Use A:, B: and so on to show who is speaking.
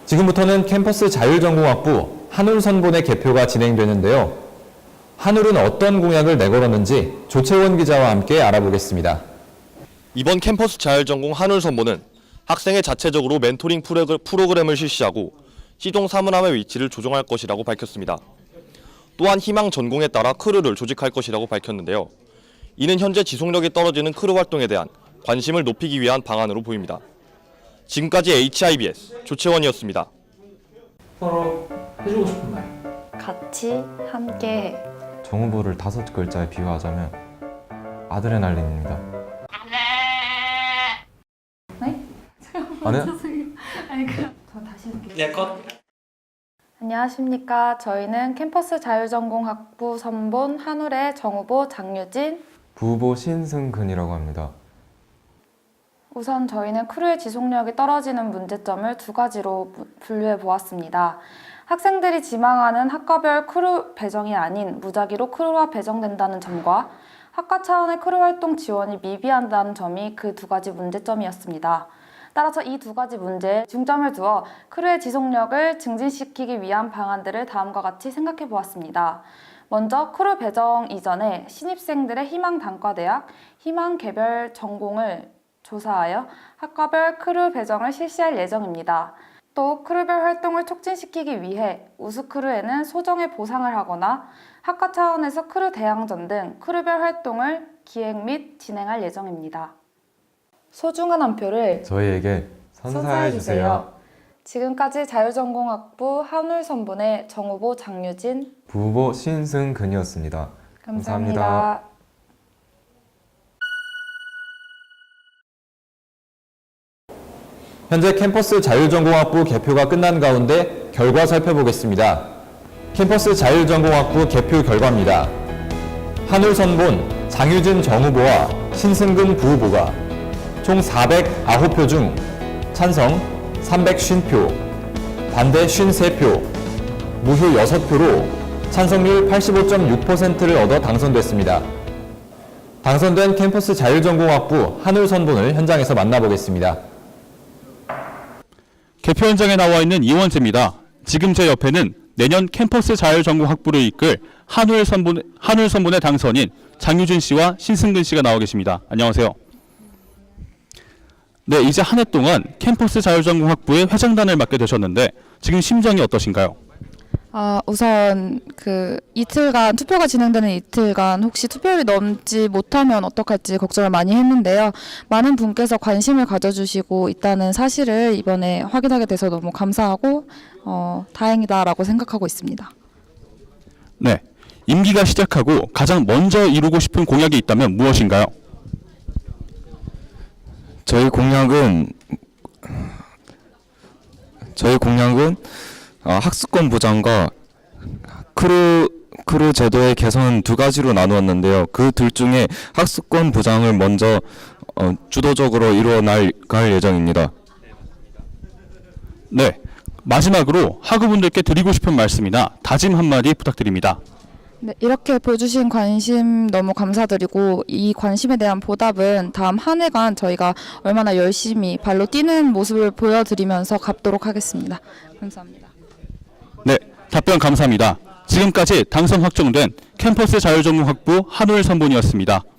A: 지금부터는 캠퍼스 자율전공학부 한울선본의 개표가 진행되는데요. 한울은 어떤 공약을 내걸었는지 조채원 기자와 함께 알아보겠습니다.
B: 이번 캠퍼스 자율전공 한울선본은 학생의 자체적으로 멘토링 프로그램을 실시하고 시종 사문함의 위치를 조정할 것이라고 밝혔습니다. 또한 희망 전공에 따라 크루를 조직할 것이라고 밝혔는데요. 이는 현재 지속력이 떨어지는 크루 활동에 대한 관심을 높이기 위한 방안으로 보입니다. 지금까지 HIBS 조채원이었습니다.
C: 서로 해주고 싶은 말.
D: 같이 함께해.
E: 정후보를 5글자에 비유하자면 아드레날린입니다.
D: 네?
E: 아니요?
D: 저 다시 할게요.
C: 네, 컷.
D: 안녕하십니까. 저희는 캠퍼스 자율전공학부 선본 한울의 정후보 장유진.
E: 부후보 신승근이라고 합니다.
D: 우선 저희는 크루의 지속력이 떨어지는 문제점을 두 가지로 분류해 보았습니다. 학생들이 지망하는 학과별 크루 배정이 아닌 무작위로 크루가 배정된다는 점과 학과 차원의 크루 활동 지원이 미비한다는 점이 그 두 가지 문제점이었습니다. 따라서 이 두 가지 문제에 중점을 두어 크루의 지속력을 증진시키기 위한 방안들을 다음과 같이 생각해 보았습니다. 먼저 크루 배정 이전에 신입생들의 희망 단과대학, 희망 개별 전공을 조사하여 학과별 크루 배정을 실시할 예정입니다. 또 크루별 활동을 촉진시키기 위해 우수 크루에는 소정의 보상을 하거나 학과 차원에서 크루 대항전 등 크루별 활동을 기획 및 진행할 예정입니다. 소중한 한 표를
E: 저희에게 선사해주세요.
D: 지금까지 자율전공학부 한울선본의 정후보 장유진,
E: 부후보 신승근이었습니다.
D: 감사합니다.
A: 현재 캠퍼스 자율전공학부 개표가 끝난 가운데 결과 살펴보겠습니다. 캠퍼스 자율전공학부 개표 결과입니다. 한울선본 장유진 정후보와 신승근 부후보가 총 409표 중 찬성 350표, 반대 53표, 무효 6표로 찬성률 85.6%를 얻어 당선됐습니다. 당선된 캠퍼스 자율전공학부 한울선본을 현장에서 만나보겠습니다.
F: 개표 현장에 나와 있는 이원재입니다. 지금 제 옆에는 내년 캠퍼스 자율전공학부를 이끌 한울선본의 당선인 장유진 씨와 신승근 씨가 나와 계십니다. 안녕하세요. 네, 이제 한 해 동안 캠퍼스 자율전공학부의 회장단을 맡게 되셨는데 지금 심정이 어떠신가요?
G: 우선 이틀간 투표가 진행되는 이틀간 혹시 투표율이 넘지 못하면 어떡할지 걱정을 많이 했는데요. 많은 분께서 관심을 가져주시고 있다는 사실을 이번에 확인하게 돼서 너무 감사하고 다행이다라고 생각하고 있습니다.
F: 네, 임기가 시작하고 가장 먼저 이루고 싶은 공약이 있다면 무엇인가요?
H: 저희 공약은 학습권 보장과 크루 제도의 개선 두 가지로 나누었는데요. 그 둘 중에 학습권 보장을 먼저 주도적으로 이루어 나갈 예정입니다.
F: 네, 마지막으로 학우분들께 드리고 싶은 말씀이나 다짐 한마디 부탁드립니다.
G: 네, 이렇게 보여주신 관심 너무 감사드리고 이 관심에 대한 보답은 다음 한 해간 저희가 얼마나 열심히 발로 뛰는 모습을 보여드리면서 갚도록 하겠습니다. 감사합니다.
F: 네, 답변 감사합니다. 지금까지 당선 확정된 캠퍼스 자율전공학부 한울선본이었습니다.